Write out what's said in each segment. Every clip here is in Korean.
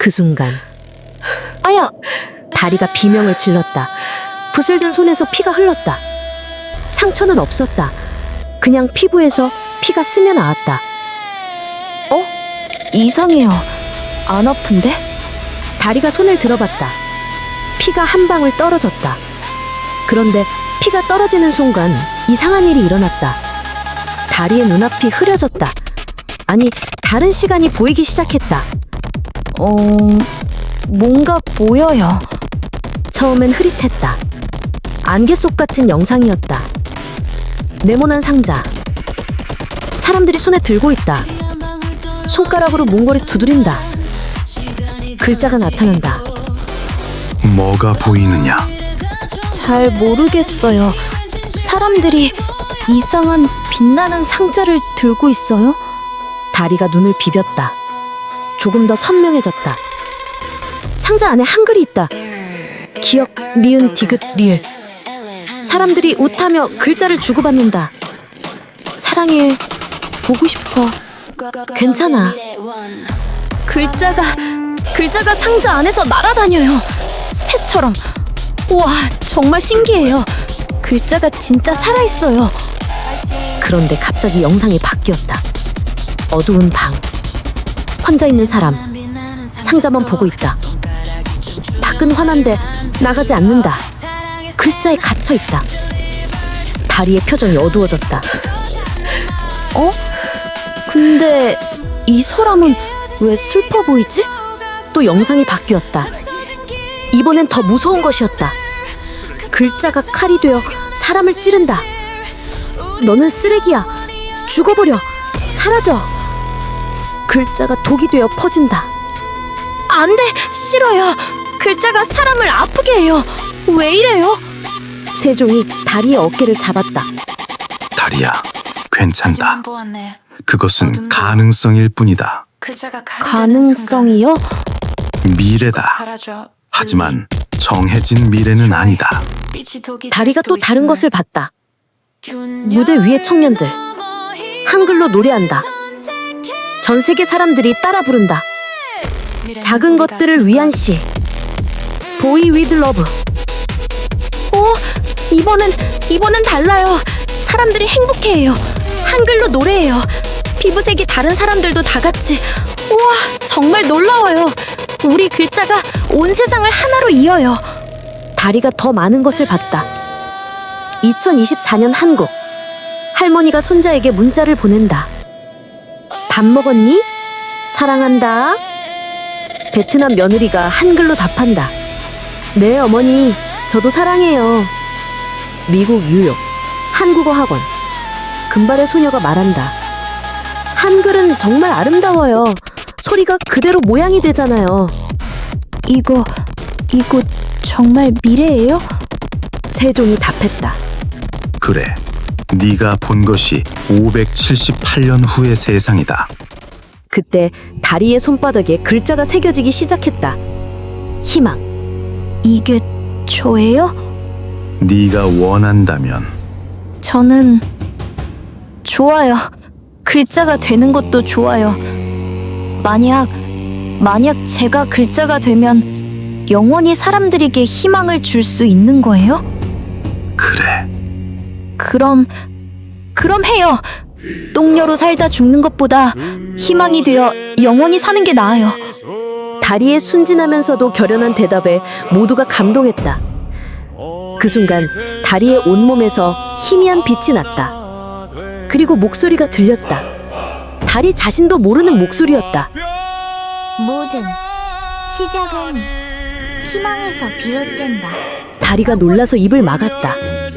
그 순간 아야! 다리가 비명을 질렀다. 붓을 든 손에서 피가 흘렀다. 상처는 없었다. 그냥 피부에서 피가 스며 나왔다. 이상해요. 안 아픈데? 다리가 손을 들어봤다. 피가 한 방울 떨어졌다. 그런데 피가 떨어지는 순간 이상한 일이 일어났다. 다리의 눈앞이 흐려졌다. 아니, 다른 시간이 보이기 시작했다. 뭔가 보여요. 처음엔 흐릿했다. 안개 속 같은 영상이었다. 네모난 상자. 사람들이 손에 들고 있다. 손가락으로 몽골이 두드린다. 글자가 나타난다. 뭐가 보이느냐? 잘 모르겠어요. 사람들이 이상한 빛나는 상자를 들고 있어요? 다리가 눈을 비볐다. 조금 더 선명해졌다. 상자 안에 한글이 있다. 기억, 미은, 디귿, 리을. 사람들이 웃하며 글자를 주고받는다. 사랑해, 보고 싶어, 괜찮아. 글자가 상자 안에서 날아다녀요. 새처럼. 우와, 정말 신기해요. 글자가 진짜 살아있어요. 그런데 갑자기 영상이 바뀌었다. 어두운 방. 혼자 있는 사람. 상자만 보고 있다. 밖은 환한데 나가지 않는다. 글자에 갇혀 있다. 다리의 표정이 어두워졌다. 근데 이 사람은 왜 슬퍼 보이지? 또 영상이 바뀌었다. 이번엔 더 무서운 것이었다. 글자가 칼이 되어 사람을 찌른다. 너는 쓰레기야. 죽어버려. 사라져. 글자가 독이 되어 퍼진다. 안 돼! 싫어요! 글자가 사람을 아프게 해요! 왜 이래요? 세종이 다리의 어깨를 잡았다. 다리야, 괜찮다. 그것은 가능성일 뿐이다. 가능성이요? 미래다. 하지만 정해진 미래는 아니다. 다리가 또 다른 것을 봤다. 무대 위의 청년들. 한글로 노래한다. 전 세계 사람들이 따라 부른다. 작은 것들을 위한 시. Boy with Love. 이번엔 달라요. 사람들이 행복해해요. 한글로 노래해요. 피부색이 다른 사람들도 다 같이. 우와, 정말 놀라워요. 우리 글자가 온 세상을 하나로 이어요. 다리가 더 많은 것을 봤다. 2024년 한국. 할머니가 손자에게 문자를 보낸다. 밥 먹었니? 사랑한다. 베트남 며느리가 한글로 답한다. 네, 어머니. 저도 사랑해요. 미국 뉴욕. 한국어 학원. 금발의 소녀가 말한다. 한글은 정말 아름다워요. 소리가 그대로 모양이 되잖아요. 이거 정말 미래예요? 세종이 답했다. 그래, 네가 본 것이 578년 후의 세상이다. 그때 다리의 손바닥에 글자가 새겨지기 시작했다. 희망. 이게 저예요? 네가 원한다면. 저는 좋아요. 글자가 되는 것도 좋아요. 만약 제가 글자가 되면 영원히 사람들에게 희망을 줄 수 있는 거예요? 그래. 그럼 해요. 똥녀로 살다 죽는 것보다 희망이 되어 영원히 사는 게 나아요. 다리의 순진하면서도 결연한 대답에 모두가 감동했다. 그 순간 다리의 온몸에서 희미한 빛이 났다. 그리고 목소리가 들렸다. 다리 자신도 모르는 목소리였다. 모든 시작은 희망에서 비롯된다. 다리가 놀라서 입을 막았다.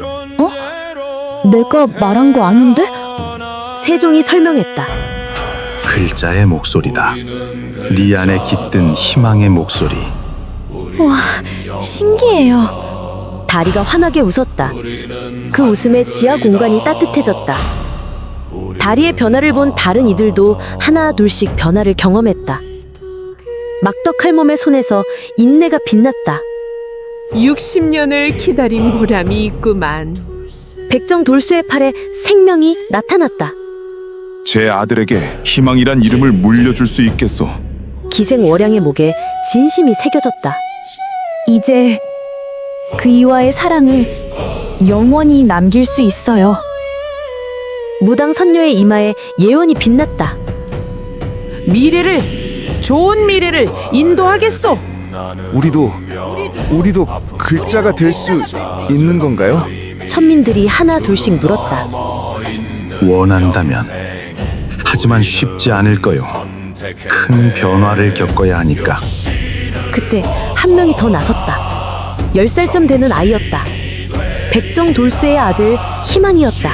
내가 말한 거 아닌데? 세종이 설명했다. 글자의 목소리다. 네 안에 깃든 희망의 목소리. 신기해요. 다리가 환하게 웃었다. 그 웃음에 지하 공간이 따뜻해졌다. 다리의 변화를 본 다른 이들도 하나 둘씩 변화를 경험했다. 막덕할 몸의 손에서 인내가 빛났다. 60년을 기다린 보람이 있구만. 백정 돌수의 팔에 생명이 나타났다. 제 아들에게 희망이란 이름을 물려줄 수 있겠소. 기생월양의 목에 진심이 새겨졌다. 이제 그이와의 사랑을 영원히 남길 수 있어요. 무당 선녀의 이마에 예원이 빛났다. 좋은 미래를 인도하겠소. 우리도 글자가 될 수 있는 건가요? 천민들이 하나 둘씩 물었다. 원한다면. 하지만 쉽지 않을 거요. 큰 변화를 겪어야 하니까. 그때 한 명이 더 나섰다. 10살쯤 되는 아이였다. 백정돌쇠의 아들 희망이었다.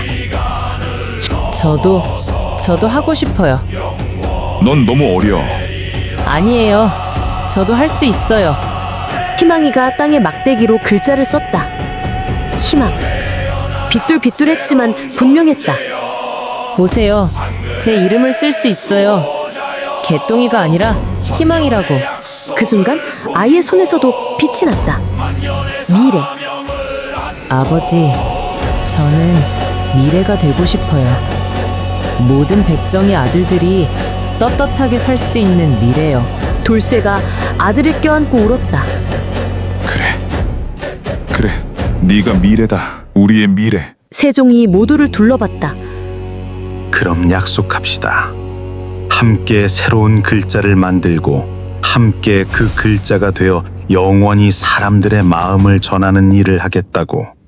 저도 하고 싶어요. 넌 너무 어려. 아니에요. 저도 할 수 있어요. 희망이가 땅에 막대기로 글자를 썼다. 희망. 비뚤비뚤했지만 분명했다. 보세요. 제 이름을 쓸 수 있어요. 개똥이가 아니라 희망이라고. 그 순간 아이의 손에서도 빛이 났다. 미래. 아버지, 저는 미래가 되고 싶어요. 모든 백정의 아들들이 떳떳하게 살 수 있는 미래요. 돌쇠가 아들을 껴안고 울었다. 그래. 네가 미래다. 우리의 미래. 세종이 모두를 둘러봤다. 그럼 약속합시다. 함께 새로운 글자를 만들고 함께 그 글자가 되어 영원히 사람들의 마음을 전하는 일을 하겠다고.